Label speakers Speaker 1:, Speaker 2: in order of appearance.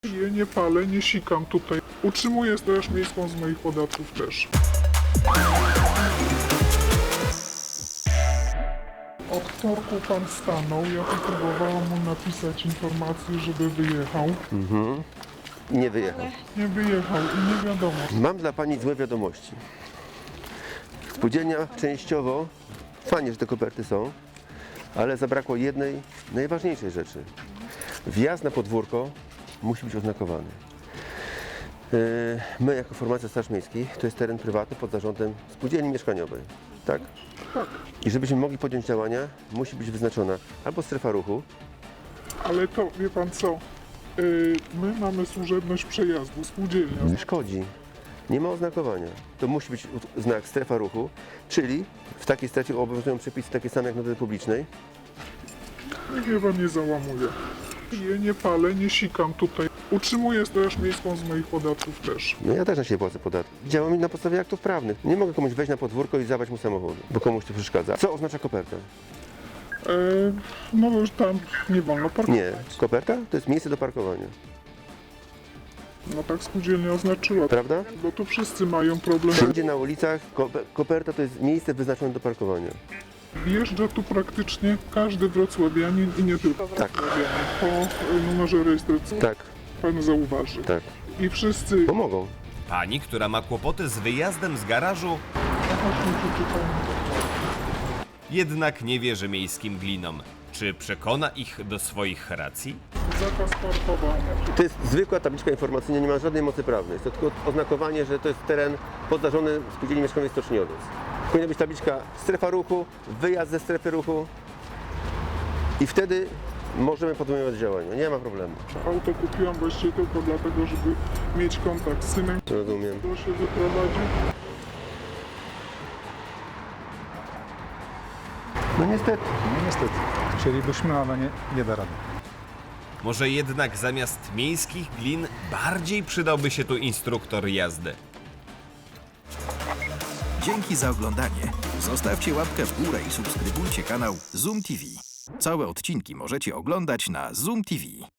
Speaker 1: Piję, nie palę, nie sikam tutaj. Utrzymuję Straż Miejską z moich podatków też. Od wtorku pan stanął, ja próbowałam mu napisać informację, żeby wyjechał.
Speaker 2: Nie wyjechał.
Speaker 1: Nie wyjechał i nie wiadomo.
Speaker 2: Mam dla pani złe wiadomości. Spółdzielnia częściowo, fajnie, że te koperty są, ale zabrakło jednej, najważniejszej rzeczy. Wjazd na podwórko musi być oznakowany. My jako formacja Straż Miejskiej to jest teren prywatny pod zarządem spółdzielni mieszkaniowej, tak?
Speaker 1: Tak,
Speaker 2: I żebyśmy mogli podjąć działania, musi być wyznaczona albo strefa ruchu,
Speaker 1: ale to wie pan co? My mamy służebność przejazdu, spółdzielnia.
Speaker 2: nie szkodzi. Nie ma oznakowania. To musi być znak strefa ruchu, czyli w takiej strefie obowiązują przepisy takie same jak na drodze publicznej.
Speaker 1: Niech mnie pan nie załamuje. Piję, nie palę, nie sikam tutaj. Utrzymuję Straż Miejską z moich podatków też.
Speaker 2: No ja też na siebie płacę podatki. Działam na podstawie aktów prawnych. Nie mogę komuś wejść na podwórko i zabrać mu samochodu, bo komuś to przeszkadza. Co oznacza koperta?
Speaker 1: No już tam nie wolno parkować.
Speaker 2: Nie. Koperta to jest miejsce do parkowania.
Speaker 1: No tak spółdzielnia oznaczyła.
Speaker 2: Prawda?
Speaker 1: Bo tu wszyscy mają problem.
Speaker 2: Wszędzie na ulicach koperta to jest miejsce wyznaczone do parkowania.
Speaker 1: Wjeżdża tu praktycznie każdy wrocławianin i nie tylko wrocławianin. Po numerze rejestracyjnym
Speaker 2: Tak,
Speaker 1: pan zauważy.
Speaker 2: tak.
Speaker 1: I wszyscy...
Speaker 2: Pomogą.
Speaker 3: Pani, która ma kłopoty z wyjazdem z garażu, jednak nie wierzy miejskim glinom. Czy przekona ich do swoich racji?
Speaker 1: Zakaz parkowania.
Speaker 2: To jest zwykła tabliczka informacyjna, nie ma żadnej mocy prawnej. Jest to tylko oznakowanie, że to jest teren pod zarządem spółdzielni mieszkaniowej Stoczni Owiec. Powinna być tabliczka strefa ruchu, wyjazd ze strefy ruchu i wtedy możemy podejmować działania. Nie ma problemu.
Speaker 1: Auto kupiłam właściwie tylko dlatego, żeby mieć kontakt z synem,
Speaker 2: Rozumiem.
Speaker 1: który się wyprowadzi.
Speaker 2: No niestety.
Speaker 4: No niestety. Chcielibyśmy, ale nie da rady.
Speaker 3: Może jednak zamiast miejskich glin bardziej przydałby się tu instruktor jazdy.
Speaker 5: Dzięki za oglądanie. Zostawcie łapkę w górę i subskrybujcie kanał Zoom TV. Całe odcinki możecie oglądać na Zoom TV.